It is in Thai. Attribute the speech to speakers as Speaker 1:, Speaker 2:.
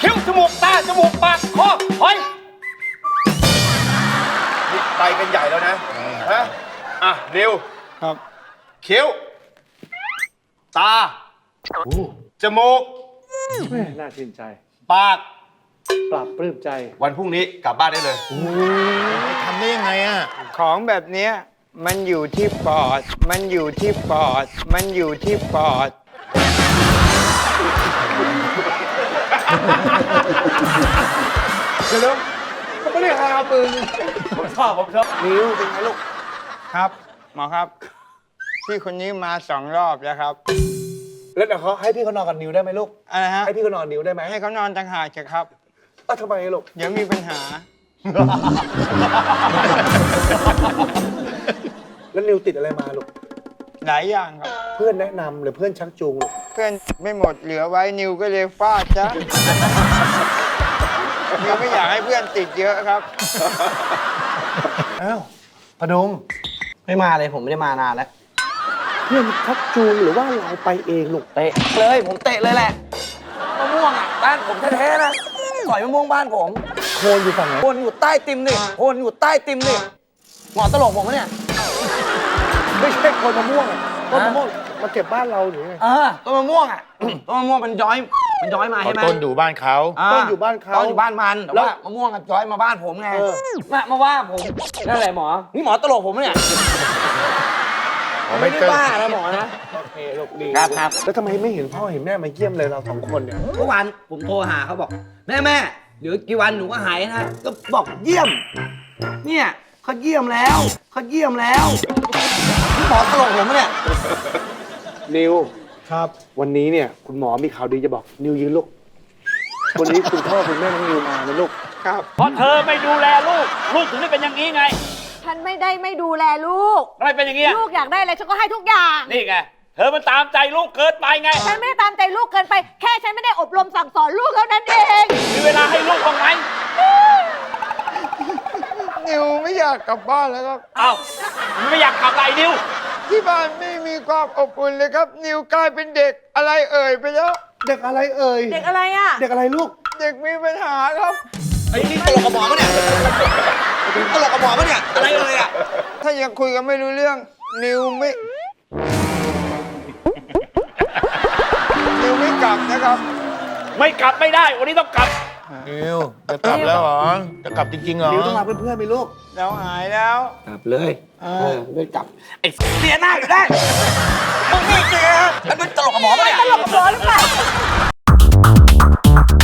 Speaker 1: คิ้วจมูกตาจมูกปากคอหอยนี่ไปกันใหญ่แล้วนะฮะอ่ะนิว
Speaker 2: ครับ
Speaker 1: คิ้วตาจมูก
Speaker 3: แม่น่าชื่นใจ
Speaker 1: ปาก
Speaker 3: ปรับปลื้มใจ
Speaker 1: วันพรุ่งนี้กลับบ้านได้เลย
Speaker 4: ทำได้ยังไงอ่ะ
Speaker 2: ของแบบเนี้ยมันอยู่ที่ปอด มันอยู่ที่ปอด มันอยู่ที่ปอด
Speaker 3: เดี๋ยวเขาไม่ได้หาปืน
Speaker 1: ผมชอบ
Speaker 3: นิ้วเป็นไงลูก
Speaker 2: ครับ หมอครับ พี่คนนี้มา2 รอบแล้วครับ
Speaker 3: แล้วเดี๋ยวเขาให้พี่เขานอนกับนิ้วได้ไหมลูก
Speaker 2: อะไรฮะ
Speaker 3: ให้พี่เขานอนนิ้วได้ไหม
Speaker 2: ให้เขานอนต่างหากเถอะครับ
Speaker 3: ทำไมลูก
Speaker 2: เดี๋ยวมีปัญหา
Speaker 3: แล้วนิ้วติดอะไรมาลูก
Speaker 2: หลายอย่างครับ
Speaker 3: เพื่อนแนะนำหรือเพื่อนชักจูงลูก
Speaker 2: เพื่อนไม่หมดเหลือไว้นิวก็เลยฟาดจ้ะ นิวไม่อยากให้เพื่อนติดเยอะครับ
Speaker 3: อ้าวพดุง
Speaker 5: ไม่มาเลยผมไม่ได้มานานแล้ว
Speaker 3: เพื่อนชักจูงหรือว่าเราไปเองลูก
Speaker 5: เตะเลยผมเตะเลยแหละมะม่วงอ่ะบ้านผมแท้ๆนะสอยมะม่วงบ้านผม
Speaker 3: โคนอยู่ฝั่งไหน
Speaker 5: โคนอยู่ใต้ติมนี่โคนอยู่ใต้ติมนี่หมอตลกผมปะเนี่ย
Speaker 3: ไม่ใช่โคนมะม่วงอะต้นมะม่วงมาเก็บบ้านเราหรือไง
Speaker 5: ต้นมะม่วงอ่ะ ต้นมะม่วงมันย้อยมาใช่ไหม
Speaker 4: ต้นอยู่บ้านเขา
Speaker 3: ต้นอยู่บ้านเขา
Speaker 5: ต้นอยู่บ้านมันแต่ว่ามะม่วงอะย้อยมาบ้านผมไง
Speaker 3: เออ
Speaker 5: มาว่าผมนั่นแหละหมอนี่หมอตลกผมปะเนี่ย ไม่ได้บ้านะหมอนะ
Speaker 3: โอเคลูกดี
Speaker 5: ครับ
Speaker 3: แล้วทำไมไม่เห็นพ่อเห็นแม่มาเยี่ยมเลยเรา2 คนเนี่ย
Speaker 5: เมื่อวานผมโทรหาเขาบอกแม่เดี๋ยวกี่วันหนูก็หายนะก็บอกเยี่ยม เนี่ยเขาเยี่ยมแล้วนี่หมอตลกผมปะเนี่ย
Speaker 3: นิว
Speaker 2: ครับ
Speaker 3: วันนี้เนี่ยคุณหมอมีข่าวดีจะบอก นิวยืนลูก วันนี้คุณพ่อคุณแม่น้องนิวมานะลูก
Speaker 2: ครับ
Speaker 1: เพราะเธอไม่ดูแลลูก ลูกถึงได้เป็นอย่างนี้ไง
Speaker 6: ฉันไม่ได้ไม่ดูแลลูก
Speaker 1: ทำไมเป็นอย่างนี้
Speaker 6: ลูกอยากได้อะไรฉันก็ให้ทุกอย่าง
Speaker 1: นี่ไง เธอมันตามใจลูกเกินไปไง
Speaker 6: ฉันไม่ได้ตามใจลูกเกินไป แค่ฉันไม่ได้อบรมสั่งสอนลูกเท่านั้นเอง
Speaker 1: มีเวลาให้ลูกบ้างไหม
Speaker 2: นิวไม่อยากกลับบ้านแล้วครับ
Speaker 1: เอ้าไม่อยากกลับไรนิว
Speaker 2: ที่บ้านไม่มีความอบอุ่นเลยครับ นิวกลายเป็นเด็กอะไรเอ่ยไปแล้ว
Speaker 3: เด็กอะไรเอ่ย
Speaker 6: เด็กอะไรอ่ะ
Speaker 3: เด็กอะไรลูก
Speaker 2: เด็กมีปัญหาครับ
Speaker 5: ไอ้นี่ตลกกับหมอปะเนี่ยตลกกับหมอปะเนี่ยอะไรเลยอ่ะ
Speaker 2: ถ้ายังคุยกันไม่รู้เรื่อง นิวไม่กลับนะครับ
Speaker 1: ไม่กลับไม่ได้ วันนี้ต้องกลับ
Speaker 4: นิวจะกลับแล้วเหรอ จะกลับจริงๆเหรอ
Speaker 3: นิวต้องมาเพื่อนๆไหมลูก
Speaker 2: เราหายแล้ว
Speaker 5: กลับเลยไม่กลับไอ้เสียหน้าอยู่ได้มึงนี่เสียแล้วเป็นตลกกับหมอปะเนี่ย
Speaker 6: ตลกกับหมอหรือเปล่า